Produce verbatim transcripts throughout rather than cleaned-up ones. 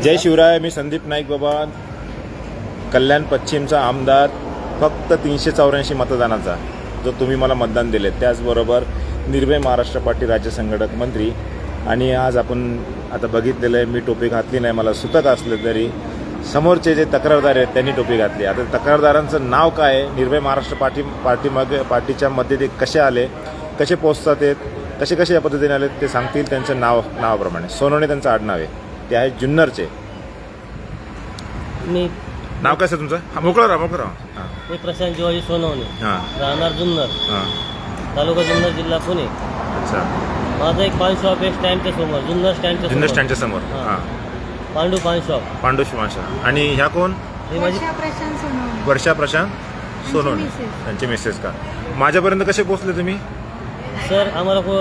जय शिवराय. मी संदीप नाईक बाबा, कल्याण पश्चिमचा आमदार, फक्त तीनशे चौऱ्याऐंशी मतदानाचा, जो तुम्ही मला मतदान दिले. त्याचबरोबर निर्भय महाराष्ट्र पार्टी राज्य संघटक मंत्री. आणि आज आपण आता बघितलेलं आहे, मी टोपी घातली नाही, मला सुतक असलं तरी समोरचे जे तक्रारदार आहेत त्यांनी टोपी घातली. आता तक्रारदारांचं नाव काय आहे, निर्भय महाराष्ट्र पार्टी पार्टीमागे पार्टीच्या मध्ये ते कसे आले, कसे पोचतात आहेत, कसे कसे या पद्धतीने आले ते सांगतील त्यांचं नाव नावाप्रमाणे. सोनवणे त्यांचं आडनाव आहे, ते आहे जुन्नरचे. मी नाव काय सर तुमचं? हा, मोकळं राहा मोकळं राहा. हां मी प्रशांत जिवाजी सोनवणे, हां राहणार जुन्नर, हां तालुका जुन्नर, जिल्हा पुणे. अच्छा. माझं एक पान शॉप आहे स्टँडच्या समोर, जुन्नर स्टँडच्या जुन्नर समोर. स्टँडच्या समोर. हां. हां पांडू पान शॉप. पांडू शिवांशा. आणि ह्या कोण? ही माझी वर्षा प्रशांत सोनवणे. वर्षा प्रशांत सोनवणे, मिसेस. त्यांचे मिसेस का? माझ्यापर्यंत कसे पोहोचले तुम्ही? सर आम्हाला को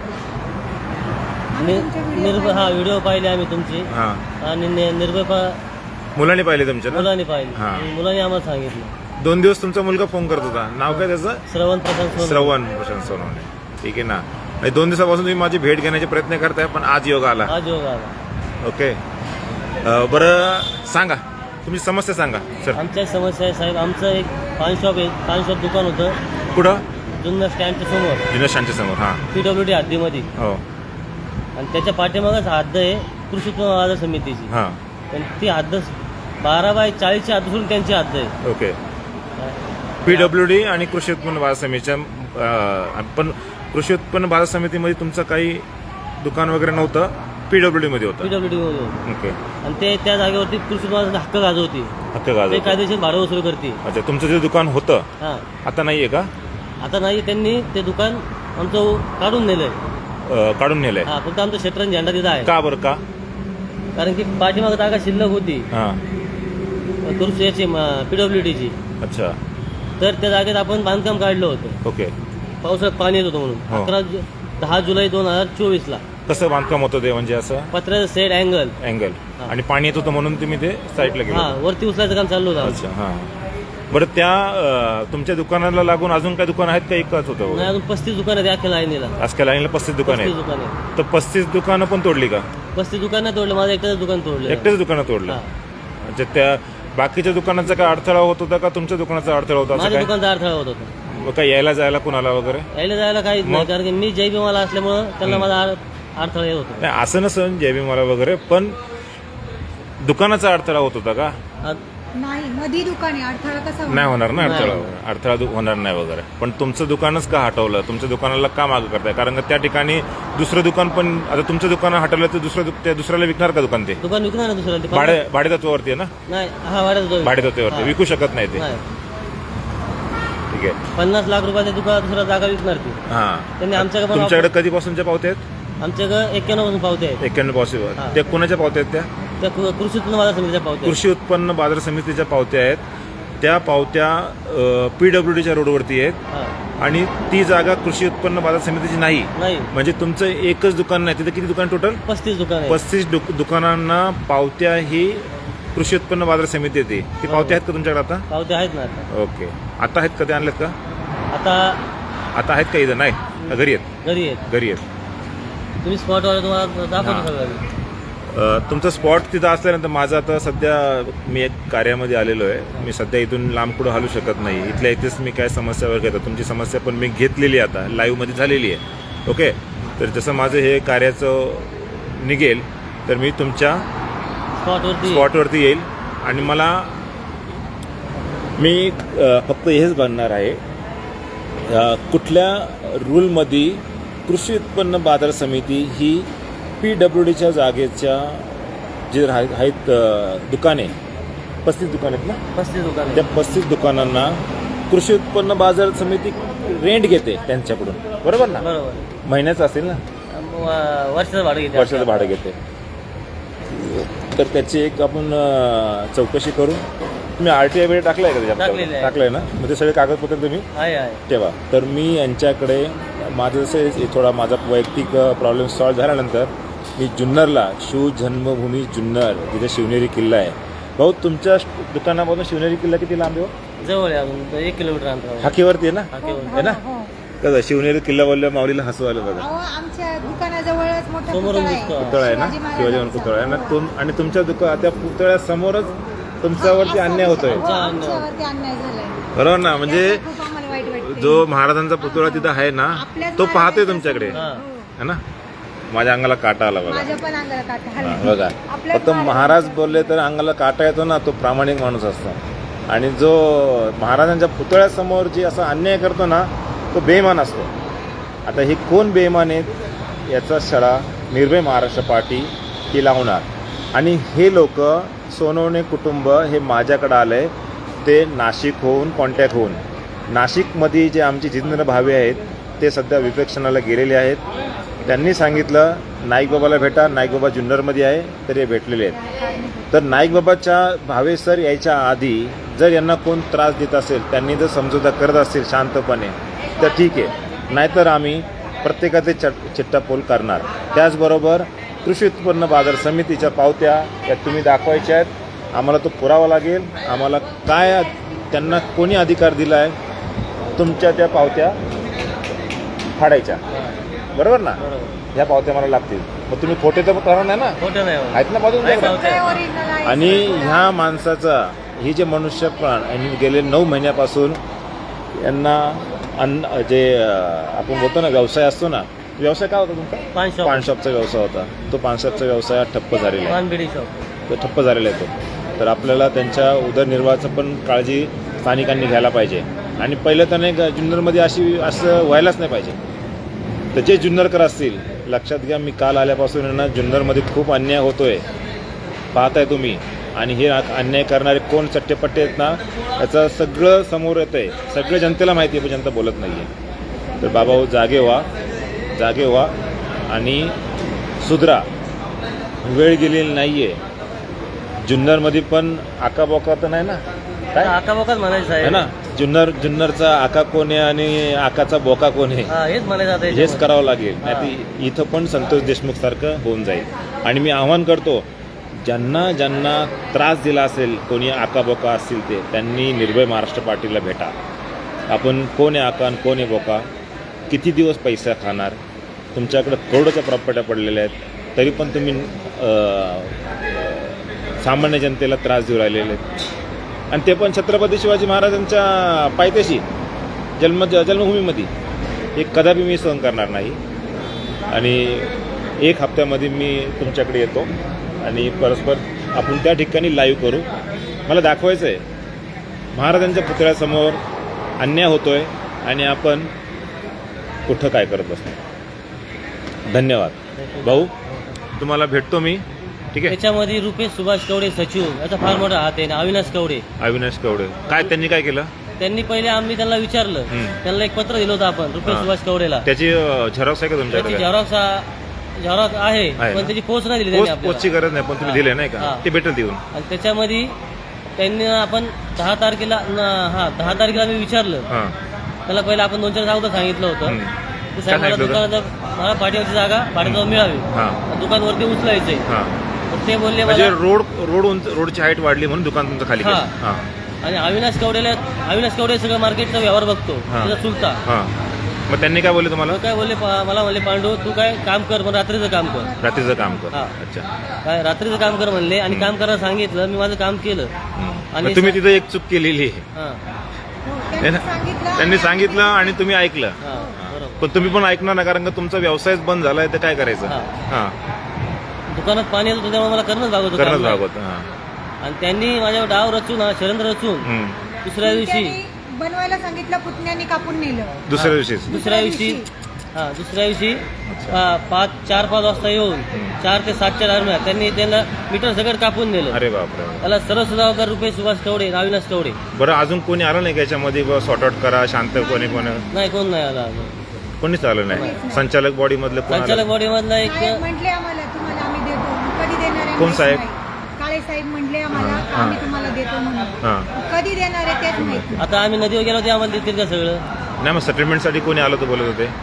आम्ही तुमचे व्हिडिओ निर्भय हा पाहिले. व्हिडिओ पाहिले आम्ही तुमची, हां आणि नि- निर्भय पा मुलांनी पाहिले तुमच्या ना? मुलांनी पाहिली. हां. आणि मुलांनी आम्हाला सांगितलं. दोन दिवस तुमचा मुलगा फोन करत होता. नाव काय त्याचं? श्रवण प्रशांत सोनवणे. श्रवण प्रशांत सोनवणे. ठीक आहे ना. आणि दोन दिवसापासून तुम्ही माझी भेट घेण्याचे प्रयत्न करताय, पण आज योग आला. आज योग आला. ओके. अं, बरं सांगा, तुमची समस्या सांगा सर. आमच्या समस्या आहे साहेब, आमचं एक पान शॉप आहे, पान शॉप दुकान होतं कुठं? जुन्नर स्टँडच्या समोर, जुन्नर स्टँडच्या समोर. हां पी डब्ल्यू डी हद्दीमध्ये. हो. आणि त्याच्या पाठीमागच हद्द आहे कृषी उत्पन्न बाजार समितीची. हां पण ती हद्द बारा बाय चाळीसची हद्द सोडून त्यांची हद्द आहे. ओके. पी डब्ल्यू डी आणि कृषी उत्पन्न बाजार समितीच्या अं, पण कृषी उत्पन्न बाजार समितीमध्ये तुमचं काही दुकान वगैरे नव्हतं, पी डब्ल्यू डी मध्ये होतं. पीडब्ल्यूडी मध्ये. ओके. आणि ते त्या जागेवरती कृषी उत्पन्नाचा हक्क गाजवती, हक्क ते गाजवतं. कायदेशीर भाडं वसूल करते. अच्छा, तुमचं जे दुकान होतं हा, आता नाहीये का? आता नाही, त्यांनी ते दुकान आमचं काढून नेलंय. अं, काढून नेलंय हा, फक्त आमचं शटरन झेंडा तिथं आहे. का बरं का? कारण की पाठीमाग जागा शिल्लक होती हां. कृषी याची पीडब्ल्यूडीची. अच्छा. तर त्या जागेत आपण बांधकाम काढलं होतं. ओके. पावसाळ्यात पाणी येत होतं म्हणून. हो. अकरा जु- दहा जुलै दोन हजार चोवीस ला कसं बांधकाम होतं ते, म्हणजे असं पत्र्याचं सेट अँगल. अँगल हां. आणि पाणी येत होतं म्हणून तुम्ही ते साईडला हा, गेले? वरती उचलायचं काम चालू होतं आमचं. अच्छा. हां. बरं, त्या अं, तुमच्या दुकानाला लागून अजून काही दुकान आहेत का? एकच होतं? नाही, अजून पस्तीस दुकान आहेत अख्ख्या लाईनीला. आजकाल लाईनला पस्तीस दुकान पस्तीस आहेत. दुकान आहे. तर पस्तीस दुकानं पण तोडली का? पस्तीस दुकान नाही तोडलं, माझं एकट्याच दुकान तोडलं. एकटेच दुकानं तोडलं? हां. अच्छा. त्या बाकीच्या दुकानाचा काय अडथळा होत होता का तुमच्या दुकानाचा अडथळा होता? असं माझ्या काय? दुकानचा अडथळा होत होता. मग काय यायला जायला कुणाला वगैरे? यायला जायला काहीच नाही, मग? कारण की मी जय भीमाला असल्यामुळं त्यांना माझा अड- अडथळा येत होता. नाही, असं नसन जय भीमाला वगैरे, पण दुकानाचा अडथळा होत होता का? आ- नाही, मधी दुकान आहे, अडथळा कसा नाही होणार ना नाही. अडथळा. अडथळा दु- होणार नाही वगैरे. पण तुमचं दुकानच का हटवलं? तुमच्या दुकानाला का मागं करताय? कारण का त्या ठिकाणी दुसरं दुकान पण, आता तुमचं दुकान हटवलं तर दुसरं दु- त्या दुसऱ्याला विकणार का दुकान? ते दुकान विकणार ना दुसऱ्याला. ते भाडे भाडेतत्वावरती आहे ना? नाही, हा भाड्यात होतो. भाडेतत्वावरती हा. विकू शकत नाही ते. नाही. ठीक आहे. पन्नास लाख रुपयाच्या दुकान दुसरा जागा विकणार ती. हां. त्यांनी आमच्याकडे पण तुमच्याकडे कधीपासूनच्या पावत्या आहेत? आमच्याकडे एक्क्याण्णव पासून पावते आहेत. एक्क्याण्णव पॉसिबल. हां. त्या कोणाच्या पावत्या आहेत? त्या त्या कृ- कृषी उत्पन्न बाजार समितीच्या पावते आहेत. कृषी उत्पन्न बाजार समितीच्या पावत्या आहेत. त्या पावत्या पी डब्ल्यू डीच्या रोडवरती आहेत. हा. आणि ती जागा कृषी उत्पन्न बाजार समितीची नाही. नाही, म्हणजे तुमचं एकच दुकान नाही, तिथे किती दुकान टोटल? पस्तीस दुकान आहे. पस्तीस दुक- दुकानांना पावत्या ही कृषी उत्पन्न बाजार समिती येते. ती पावत्या आहेत का तुमच्याकडे आता? पावते आहेत ना आता. ओके. आता आहेत का? ते आणलेत का? आता आता आहेत का इथं? नाही, घरी आहेत. घरी आहेत. घरी आहेत. तुम्ही स्पॉटवर तुम्हाला हां. दाखवतो सगळं. अ, तुमचं स्पॉट तिथं असल्यानंतर माझं आता सध्या मी एक कार्यामध्ये आलेलो आहे. मी सध्या इथून लांब कुठं हलू शकत नाही. इथल्या इथेच मी काय समस्या वगैरे घेतो. तुमची समस्या पण मी घेतलेली आहे, आता लाईव्हमध्ये झालेली आहे. ओके. तर जसं माझं हे कार्याचं निघेल तर मी तुमच्या स्पॉटवरती स्पॉटवरती येईल. आणि मला मी अ, फक्त हेच बनणार आहे, अ, कुठल्या रूलमध्ये कृषी उत्पन्न बाजार समिती ही पी डब्ल्यू डीच्या जागेच्या जे राह आहेत अ, दुकाने, पस्तीस दुकान आहेत ना, पस्तीस दुकान आहे. त्या पस्तीस दुकानांना कृषी उत्पन्न बाजार समिती रेंट घेते त्यांच्याकडून, बरोबर ना? बरोबर. महिन्याचं असेल ना, व- वर्षाचं भाडं घेते. वर्षाचं भाडं घेते. तर त्याची एक आपण अ, चौकशी करू. तुम्ही आर टी आय वगैरे टाकलं आहे का त्याच्यात? टाकलेलं आहे. टाकलं आहे ना? मग ते सगळे कागदपत्र तुम्ही आहे आहे. ठेवा. तर मी यांच्याकडे माझं जसं थोडा माझा वैयक्तिक प्रॉब्लेम सॉल्व्ह झाल्यानंतर मी जुन्नरला, शिव जन्मभूमी जुन्नर, जिथे शिवनेरी किल्ला आहे. भाऊ, तुमच्या दुकानापासून शिवनेरी किल्ला किती लांब आहे? जवळ आहे, अजून एक किलोमीटर अंतरावर. हाकेवरती आहे ना? हाकेवर. आहे ना? हो. कसं शिवनेरी किल्ला बोलल्या माऊलीला हसू आलं बघा. अहो, आमच्या दुकानाजवळच मोठं मोठा समोरून पुतळा आहे. दिसतो. पुतळा आहे ना शिवाजी शिवाजी महाराज महाराजांचा. पुतळा आहे ना तुम आणि तुमच्या दुका त्या पुतळ्यासमोरच तुमच्यावरती अन्याय होतोय हो, आमच्यावरती अन्याय झालाय. बरोबर ना म्हणजे त्याचं खूप आम्हाला वाईट वाटतंय. जो महाराजांचा पुतळा तिथं आहे ना आपल्याच तो पाहतोय महाराजांचा तुमच्याकडे समोर. हा. हो. है ना माझ्या अंगाला काटा आला बघा माझ्या पण अंगाला काटा हा, आला. बघा आपल्याच फक्त महाराज महाराजांचा. बोलले तर अंगाला काटा येतो ना तो प्रामाणिक माणूस असतो आणि जो महाराजांच्या पुतळ्यासमोर जी असा अन्याय करतो ना तो बेईमान असतो. आता हे कोण बेईमान आहेत याचा छडा निर्भय महाराष्ट्र पार्टी ही लावणार आणि हे लोक सोनवणे कुटुंब हे माझ्याकडं आलं आहे ते नाशिक होऊन कॉन्टॅक्ट होऊन नाशिकमध्ये जे आमचे जितेंद्र भावे आहेत ते सध्या विपक्षणाला गेलेले आहेत. त्यांनी सांगितलं नाईकबाबाला भेटा नाईकबाबा जुन्नरमध्ये आहे तर हे भेटलेले आहेत. तर नाईकबाबाच्या भावे सर यायच्या आधी जर यांना कोण त्रास देत असेल त्यांनी जर समजोता करत असतील शांतपणे तर ठीक आहे नाहीतर आम्ही प्रत्येकाचे चट चिट्टापोल करणार. त्याचबरोबर कृषी उत्पन्न बाजार समितीच्या पावत्या या तुम्ही दाखवायच्या आहेत. आम्हाला तो पुरावा लागेल. आम्हाला काय त्यांना कोणी अधिकार दिला आहे तुमच्या त्या पावत्या फाडायच्या बरोबर ना बरोबर ह्या पावत्या मला लागतील. मग तुम्ही खोटे तर करणार नाही ना खोटं नाही होत. आहेत ना बाजून नाही बघा. पावत्या. पुतळे original आहे. आणि ह्या माणसाचा ही जे मनुष्य प्राण आणि गेले नऊ महिन्यापासून यांना अन्न जे अं, आपण बोलतो ना व्यवसाय असतो ना व्यवसाय काय होता तुमचा पान शॉप पान शॉपचा व्यवसाय होता. तो पान शॉपचा व्यवसाय ठप्प झालेला आहे पान बिडी शॉप. तो ठप्प झालेला आहे तो. तर आपल्याला त्यांच्या उदरनिर्वाहाचं पण काळजी स्थानिकांनी घ्यायला पाहिजे. आणि पहिलं तर नाही का जुन्नरमध्ये अशी असं व्हायलाच नाही पाहिजे. तर जे जुन्नरकर असतील लक्षात घ्या मी काल आल्यापासून आहे ना जुन्नरमध्ये खूप अन्याय होतोय पाहताय तुम्ही. आणि हे अन्याय करणारे कोण चट्टेपट्टे आहेत ना याचं सगळं समोर येतं आहे. सगळं जनतेला माहिती आहे पण जनता बोलत नाही आहे. तर बाबा हो जागे व्हा जागे व्हा आणि सुधरा. वेळ गेलेली नाही आहे. जुन्नरमध्ये पण आकाबोका तर नाही ना काय आका बोकाच म्हणायचं आहे आहे ना जुन्नर जुन्नरचा आका कोण आहे आणि आकाचा बोका कोण आहे हा हेच म्हणायचं आता हेच याच्यामध्ये. करावं लागेल. नाही तर इथं पण संतोष देशमुख सारखं होऊन जाईल. आणि मी आव्हान करतो ज्यांना ज्यांना त्रास दिला असेल कोणी आकाबोका असतील ते त्यांनी निर्भय महाराष्ट्र पार्टीला भेटा. आपण कोण आहे आका आणि कोण आहे बोका किती दिवस पैसा खाणार तुमच्याकडं करोडोच्या प्रॉपर्ट्या पडलेल्या आहेत तरी पण तुम्ही अं, सामान्य जनतेला त्रास देऊ राहिलेले आहेत. आणि ते पण छत्रपती शिवाजी महाराजांच्या पायथ्याशी जन्म जन्मभूमीमध्ये हे कदापि मी सहन करणार नाही. आणि एक हप्त्यामध्ये मी तुमच्याकडे येतो आणि परस्पर आपण त्या ठिकाणी लाईव्ह करू. मला दाखवायचं आहे महाराजांच्या पुतळ्यासमोर अन्याय होतोय आणि आपण कुठं काय करत बसतो. धन्यवाद भाऊ तुम्हाला भेटतो मी ठीक आहे. त्याच्यामध्ये रुपेश सुभाष कवडे सचिव याचा फार मोठा हात आहे. आणि अविनाश कवडे अविनाश कवडे काय त्यांनी काय केलं त्यांनी पहिले आम्ही त्यांना विचारलं. हम्म. त्यांना एक पत्र दिलं होतं आपण रुपेश हा. सुभाष कवडेला. त्याची झेरॉक्स आहे का त्याची तुमच्याकडे झेरॉक्स झेरॉक्स आहे आहे पण ना? त्याची पोच नाही दिली त्यांनी पोस्ट पोस्टची आपल्याला. गरज नाही पण तुम्ही हा. दिले नाही का हा. ते भेटेल देऊन आणि त्याच्यामध्ये त्यांनी आपण दहा तारखेला न- हा दहा तारखेला मी विचारलं हां त्याला पहिलं आपण दोन चार जागा सांगितलं होतं हम्म. ते काय साहेब मला सांगितलं होतं? दुकानात मला पाठीवरची जागा भाड्याजवळ मिळावी हां दुकानवरती उचलायचंय हां तर ते बोलले म्हणजे मला रोड रोड उंच रोडची हाईट वाढली म्हणून दुकान तुमचं खाली हा. केलं. हां आणि अविनाश कवडेला अविनाश कवडे सगळं मार्केटचा व्यवहार बघतो हा. त्याचा चुलता हां मग त्यांनी काय बोलले तुम्हाला मग काय बोलले पा- मला म्हणले पांडू तू काय काम कर पण रात्रीचं काम कर रात्रीचं काम कर हा. अच्छा काय रात्रीचं काम कर म्हणले आणि काम करायला सांगितलं मी माझं काम केलं हम्म. आणि मग तुम्ही तिथं एक चूक केलेली आहे हा हो, है त्यांनी ना? सांगितलं त्यांनी सांगितलं आणि तुम्ही ऐकलं हा बरोबर पण तुम्ही पण ऐकणार ना कारण का तुमचा व्यवसायच बंद झालाय तर काय करायचं हा. हां दुकानात पाणी येतं त्यामुळे मला करणंच भाग होतं करणंच काम नाही. भाग होतं हां आणि त्यांनी माझ्यावर डाव रचून हा षडयंत्र रचून हम्म. दुसऱ्या दिवशी त्यांनी बनवायला सांगितलं पुतण्याने कापून नेलं. दुसऱ्या दिवशीच दुसऱ्या दिवशी हा दुसऱ्या दिवशी पा- पाच चार पाच वाजता येऊन चार ते सातच्या दरम्यान त्यांनी त्यांना मीटर सगळं कापून नेलं. अरे बापरे त्याला सर्व सुधाकर रुपये सुभाष कवडे अविनाश कवडे बरं अजून कोणी आलं नाही का याच्यामध्ये सॉर्ट आउट करा शांत कोणी कोणी नाही कोण नाही आला अजून. कोणीच आलं नाही संचालक बॉडी मधलं कोण संचालक आलं? बॉडी मधला एक साहेब म्हटले आम्हाला तुम्हाला आम्ही देतो कधी देणार आहे कोण माहित साहेब? नाही. काळे साहेब म्हणले आम्हाला हा. आम्ही तुम्हाला देतो म्हणून हां कधी देणार आहे तेच माहिती. आता आम्ही नदीवर गेलो ते आम्हाला देतील का सगळं नाही मग सेटलमेंटसाठी कोणी आलं तर बोलत होते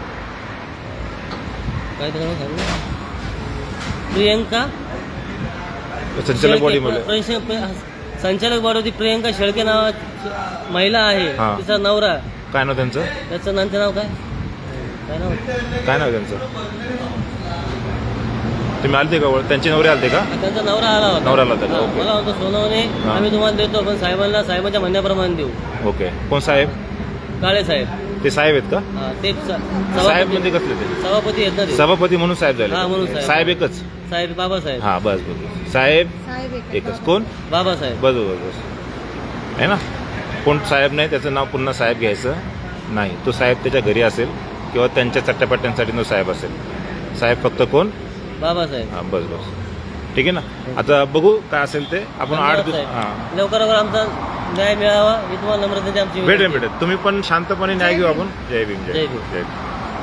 काय ते सांगू? प्रियंका संचालक बॉडी मध्ये शेळके- प्र- संचालक बॉडी होती प्रियंका शेळके नावाची महिला आहे हा. तिचा नवरा काय नाव त्यांचं त्याचं नंतर नाव काय काय नाव काय नाव त्यांचं तुम्ही आलते का ओळख? त्यांचे नवरे आलते का? त्यांचा नवरा आला होता. नवरा आला होता का? हा, ओके. मला म्हणतो सोनवणे हा. आम्ही तुम्हाला देतो, पण साहेबांना साहेबांच्या म्हणण्याप्रमाणे देऊ. ओके. कोण साहेब? काळे साहेब. ते साहेब आहेत का? हा, ते स- साहेब सभापती म्हणजे कसले ते? सभापती आहेत ना ते. सभापती म्हणून साहेब हा, म्हणून झाले. साहेब. साहेब एकच? साहेब बाबासाहेब. हा बस बस. साहेब साहेब एक एकच. कोण? बाबासाहेब. बस बस बस आहे ना. कोण साहेब नाही त्याचं नाव पुन्हा साहेब घ्यायचं नाही. तो साहेब त्याच्या घरी असेल किंवा त्यांच्या चट्ट्यापट्ट्यांसाठी तो साहेब असेल. साहेब फक्त कोण? बाबासाहेब. हां बस बस ठीक आहे ना. आता बघू काय असेल ते आपण आठ धन्यवाद दिवस साहेब. हां लवकर लवकर आमचा न्याय मिळावा ही तुम्हाला नम्रतेची आमची भेटेल विनंती. भेटेल. तुम्ही पण शांतपणे न्याय घेऊ आपण. जय भीम. जय भीम. जय भीम.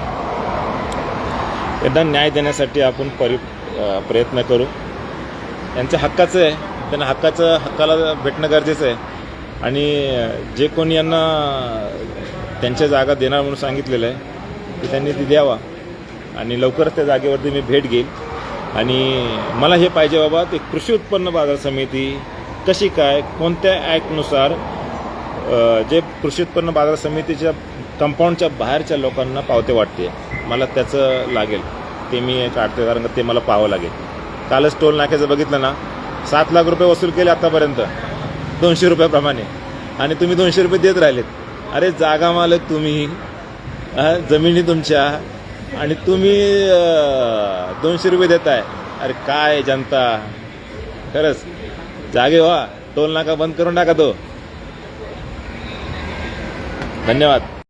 यांना न्याय देण्यासाठी आपण परि अ, प्रयत्न करू. यांचं हक्काचं आहे. त्यांना हक्काचं हक्काला भेटणं गरजेचं आहे. आणि जे कोणी यांना त्यांच्या जागा देणार म्हणून सांगितलेलं आहे की त्यांनी ती द्यावा. आणि लवकरच त्या जागेवरती मी भेट घेईल. आणि मला हे पाहिजे बाबा ते कृषी उत्पन्न बाजार समिती कशी काय कोणत्या ॲक्टनुसार अ, जे कृषी उत्पन्न बाजार समितीच्या कंपाऊंडच्या बाहेरच्या लोकांना पावते वाटते. मला त्याचं लागेल ते मी काढते, कारण का ते मला पाहावं लागेल. कालच टोल नाक्याचं बघितलं ना, सात लाख रुपये वसूल केले आतापर्यंत दोनशे रुपयाप्रमाणे, आणि तुम्ही दोनशे रुपये देत राहिलेत. अरे जागा मालक तुम्ही, हा, जमिनी तुमच्या, आणि तुम्ही अ, दोनशे रुपये देताय. अरे काय जनता, खरंच जागे व्हा. टोल नाका बंद करून टाका तो. धन्यवाद.